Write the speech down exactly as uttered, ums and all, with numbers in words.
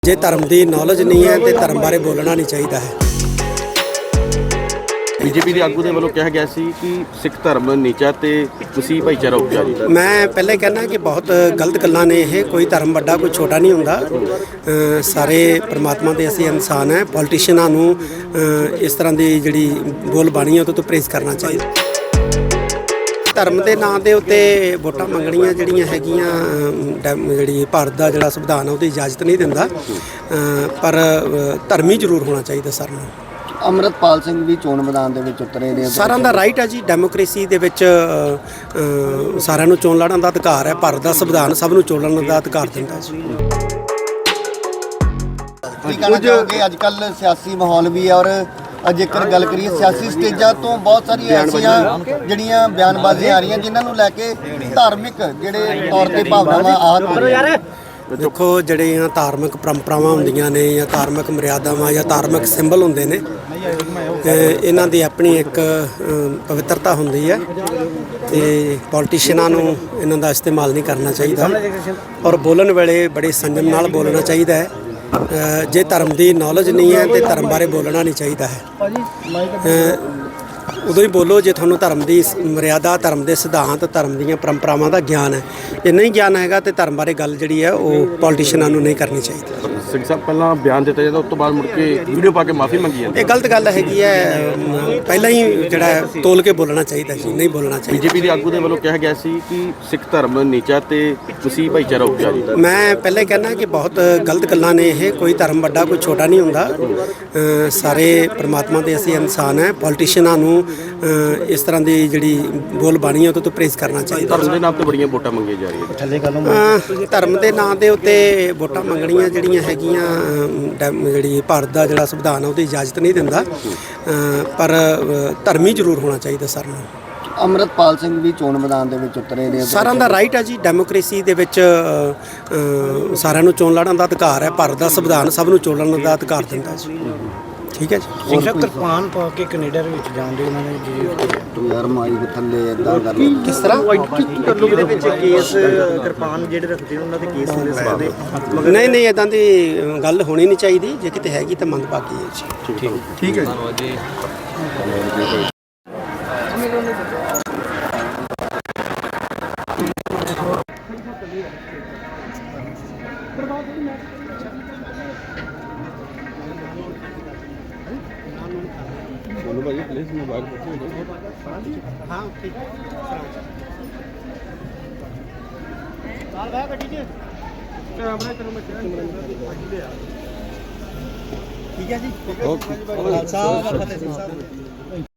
ਜੇ ਧਰਮ ਦੀ ਨੌਲੇਜ ਨਹੀਂ ਹੈ ਤੇ ਧਰਮ ਬਾਰੇ ਬੋਲਣਾ ਨਹੀਂ ਚਾਹੀਦਾ ਹੈ। ਬੀਜੇਪੀ ਦੇ ਆਗੂ ਦੇ ਵੱਲੋਂ ਕਿਹਾ ਗਿਆ ਸੀ ਕਿ ਸਿੱਖ ਧਰਮ ਨੀਚਾ ਤੇ ਮਸੀਹ ਭਾਈਚਾਰਾ ਉੱਚਾ ਜੀ। ਮੈਂ ਪਹਿਲੇ ਕਹਿਣਾ ਕਿ ਬਹੁਤ ਗਲਤ ਗੱਲਾਂ ਨੇ ਇਹ। ਕੋਈ ਧਰਮ ਵੱਡਾ ਕੋਈ ਛੋਟਾ ਨਹੀਂ ਹੁੰਦਾ। ਅ, ਸਾਰੇ ਪਰਮਾਤਮਾ ਦੇ ਅਸੀਂ ਇਨਸਾਨ ਹੈ। ਪੋਲੀਟੀਸ਼ੀਅਨਾਂ ਨੂੰ ਅ, ਇਸ ਤਰ੍ਹਾਂ ਦੀ ਜਿਹੜੀ ਬੋਲ ਬਾਣੀ ਹੈ ਉਹਦੇ ਤੋਂ ਪਰਹੇਜ਼ ਕਰਨਾ ਚਾਹੀਦਾ। ਧਰਮ ਦੇ ਨਾਂ ਦੇ ਉੱਤੇ ਵੋਟਾਂ ਮੰਗਣੀਆਂ ਜਿਹੜੀਆਂ ਹੈਗੀਆਂ ਅ, ਜਿਹੜੀ ਭਾਰਤ ਦਾ ਜਿਹੜਾ ਸੰਵਿਧਾਨ ਹੈ ਉਹਦੀ ਇਜਾਜ਼ਤ ਨਹੀਂ ਦਿੰਦਾ, ਅ, ਪਰ ਅ, ਧਰਮੀ ਜ਼ਰੂਰ ਹੋਣਾ ਚਾਹੀਦਾ ਸਾਰਿਆਂ ਨੂੰ। ਅੰਮ੍ਰਿਤਪਾਲ ਸਿੰਘ ਵੀ ਚੋਣ ਮੈਦਾਨ ਦੇ ਵਿੱਚ ਉਤਰੇ ਨੇ। ਸਾਰਿਆਂ ਦਾ ਰਾਈਟ ਹੈ ਜੀ। ਡੈਮੋਕ੍ਰੇਸੀ ਦੇ ਵਿੱਚ ਅ, ਅ, ਸਾਰਿਆਂ ਨੂੰ ਚੋਣ ਲੜਨ ਦਾ ਅਧਿਕਾਰ ਹੈ। ਭਾਰਤ ਦਾ ਸੰਵਿਧਾਨ ਸਭ ਨੂੰ ਚੋਣ ਲੜਨ ਦਾ ਅਧਿਕਾਰ ਦਿੰਦਾ ਜੀ। ਕੀ ਕਹਿਣਾ ਚਾਹੋਗੇ? ਅੱਜ ਕੱਲ੍ਹ ਸਿਆਸੀ ਮਾਹੌਲ ਵੀ ਹੈ, ਔਰ ਜੇਕਰ ਗੱਲ ਕਰੀਏ ਸਿਆਸੀ ਸਟੇਜਾਂ ਤੋਂ ਬਹੁਤ ਸਾਰੀਆਂ ਐਸੀਆਂ ਜਿਹੜੀਆਂ ਬਿਆਨਬਾਜ਼ੀਆਂ ਆ ਰਹੀਆਂ ਜਿਨ੍ਹਾਂ ਨੂੰ ਲੈ ਕੇ ਧਾਰਮਿਕ ਜਿਹੜੇ ਤੌਰ ਤੇ ਭਾਵਨਾਵਾਂ ਆਹਤ ਹੋ ਰਹੀਆਂ। ਦੇਖੋ, ਜਿਹੜੀਆਂ ਧਾਰਮਿਕ ਪਰੰਪਰਾਵਾਂ ਹੁੰਦੀਆਂ ਨੇ ਜਾਂ ਧਾਰਮਿਕ ਮਰਿਆਦਾਵਾਂ ਜਾਂ ਧਾਰਮਿਕ ਸਿੰਬਲ ਹੁੰਦੇ ਨੇ, ਇਹਨਾਂ ਦੀ ਆਪਣੀ ਇੱਕ ਪਵਿੱਤਰਤਾ ਹੁੰਦੀ ਹੈ ਤੇ ਪੋਲੀਟੀਸ਼ੀਅਨਾਂ ਨੂੰ ਇਹਨਾਂ ਦਾ ਇਸਤੇਮਾਲ ਨਹੀਂ ਕਰਨਾ ਚਾਹੀਦਾ ਔਰ ਬੋਲਣ ਵੇਲੇ ਬੜੇ ਸੰਜਮ ਨਾਲ ਬੋਲਣਾ ਚਾਹੀਦਾ ਹੈ। ਜੇ ਧਰਮ ਦੀ ਨੌਲੇਜ ਨਹੀਂ ਹੈ ਤੇ ਧਰਮ ਬਾਰੇ ਬੋਲਣਾ ਨਹੀਂ ਚਾਹੀਦਾ ਹੈ। ਉਦੋਂ ਹੀ ਬੋਲੋ ਜੇ ਤੁਹਾਨੂੰ ਧਰਮ ਦੀ ਮਰਿਆਦਾ, ਧਰਮ ਦੇ ਸਿਧਾਂਤ, ਧਰਮ ਦੀਆਂ ਪਰੰਪਰਾਵਾਂ ਦਾ ਗਿਆਨ ਹੈ। ਜੇ ਨਹੀਂ ਗਿਆਨ ਹੈਗਾ ਤੇ ਧਰਮ ਬਾਰੇ ਗੱਲ ਜਿਹੜੀ ਹੈ ਉਹ ਪੋਲੀਟੀਸ਼ੀਅਨਾਂ ਨੂੰ ਨਹੀਂ ਕਰਨੀ ਚਾਹੀਦੀ। ਸਿੰਘ ਸਾਹਿਬ ਪਹਿਲਾਂ ਬਿਆਨ ਦਿੱਤਾ ਜਾਂਦਾ, ਉਸ ਤੋਂ ਬਾਅਦ ਮੁੜ ਕੇ ਵੀਡੀਓ ਪਾ ਕੇ ਮਾਫੀ ਮੰਗੀ ਜਾਂਦੀ। ਇਹ ਗਲਤ ਗੱਲ ਹੈਗੀ ਹੈ। ਪਹਿਲਾਂ ਹੀ ਜਿਹੜਾ ਤੋਲ ਕੇ ਬੋਲਣਾ ਚਾਹੀਦਾ ਜੀ, ਨਹੀਂ ਬੋਲਣਾ ਚਾਹੀਦਾ। ਬੀਜੇਪੀ ਦੇ ਆਗੂ ਦੇ ਵੱਲੋਂ ਕਿਹਾ ਗਿਆ ਸੀ ਕਿ ਸਿੱਖ ਧਰਮ ਨੀਚਾ ਤੇ ਮਸੀਹ ਭਾਈਚਾਰਾ ਉੱਚਾ ਜੀ। ਮੈਂ ਪਹਿਲੇ ਕਹਿਣਾ ਕਿ ਬਹੁਤ ਗਲਤ ਗੱਲਾਂ ਨੇ ਇਹ। ਕੋਈ ਧਰਮ ਵੱਡਾ ਕੋਈ ਛੋਟਾ ਨਹੀਂ ਹੁੰਦਾ। ਅ, ਸਾਰੇ ਪਰਮਾਤਮਾ ਦੇ ਅਸੀਂ ਇਨਸਾਨ ਹੈ। ਪੋਲੀਟੀਸ਼ੀਅਨਾਂ ਨੂੰ ਅ, ਇਸ ਤਰ੍ਹਾਂ ਦੀ ਜਿਹੜੀ ਬੋਲ ਬਾਣੀ ਹੈ ਉਹਦੇ ਤੋਂ ਪਰਹੇਜ਼ ਕਰਨਾ ਚਾਹੀਦਾ। ਧਰਮ ਦੇ ਨਾਮ ਤੇ ਬੜੀਆਂ ਵੋਟਾਂ ਮੰਗੀਆਂ ਜਾ ਰਹੀਆਂ। ਅ, ਧਰਮ ਦੇ ਨਾਂ ਦੇ ਉੱਤੇ ਵੋਟਾਂ ਮੰਗਣੀਆਂ ਜਿਹੜੀਆਂ ਹੈਗੀਆਂ ਅ, ਡੈਮ- ਜਿਹੜੀ ਭਾਰਤ ਦਾ ਜਿਹੜਾ ਸੰਵਿਧਾਨ ਹੈ ਉਹਦੀ ਇਜਾਜ਼ਤ ਨਹੀਂ ਦਿੰਦਾ, ਅ, ਪਰ ਅ, ਧਰਮੀ ਜ਼ਰੂਰ ਹੋਣਾ ਚਾਹੀਦਾ ਸਾਰਿਆਂ ਨੂੰ। ਅੰਮ੍ਰਿਤਪਾਲ ਸਿੰਘ ਵੀ ਚੋਣ ਮੈਦਾਨ ਦੇ ਵਿੱਚ ਉਤਰੇ ਨੇ। ਸਾਰਿਆਂ ਦਾ ਰਾਈਟ ਹੈ ਜੀ। ਡੈਮੋਕ੍ਰੇਸੀ ਦੇ ਵਿੱਚ ਅ, ਅ, ਸਾਰਿਆਂ ਨੂੰ ਚੋਣ ਲੜਨ ਦਾ ਅਧਿਕਾਰ ਹੈ। ਭਾਰਤ ਦਾ ਸੰਵਿਧਾਨ ਸਭ ਨੂੰ ਚੋਣ ਲੜਨ ਦਾ ਅਧਿਕਾਰ ਦਿੰਦਾ ਜੀ। ਠੀਕ ਹੈ ਜੀ। ਸਿੰਘ ਸਾਹਿਬ ਕਿਰਪਾਨ ਪਾ ਕੇ ਕੈਨੇਡਾ ਦੇ ਵਿੱਚ ਜਾਣ ਦੇ ਉਹਨਾਂ ਨੇ ਜੀ ਯਾਰ ਮਾਈ ਦੇ ਥੱਲੇ ਇਦਾਂ ਕਰ ਕਿਸ ਤਰ੍ਹਾਂ ਇਹਦੇ ਵਿੱਚ ਕੇਸ ਕਿਰਪਾਨ ਜਿਹੜੇ ਰੱਖਦੇ ਉਹਨਾਂ ਦੇ ਕੇਸ ਹੁੰਦੇ ਸਵਾਲ ਦੇ ਨਹੀਂ ਨਹੀਂ ਇਦਾਂ ਦੀ ਗੱਲ ਹੋਣੀ ਨਹੀਂ ਚਾਹੀਦੀ। ਜੇ ਕਿਤੇ ਹੈਗੀ ਤਾਂ ਮੰਦਭਾਗੀ ਹੈ ਜੀ। ਠੀਕ ਠੀਕ ਹੈ ਜੀ। ਬੋਲੋ ਭਾਈ, ਪਲੀਜ਼ ਮੋਬਾਈਲ ਪੁੱਛੋ। ਹਾਂ ਠੀਕ ਹੈ। ਠੀਕ ਹੈ ਜੀ। ਓਕੇ।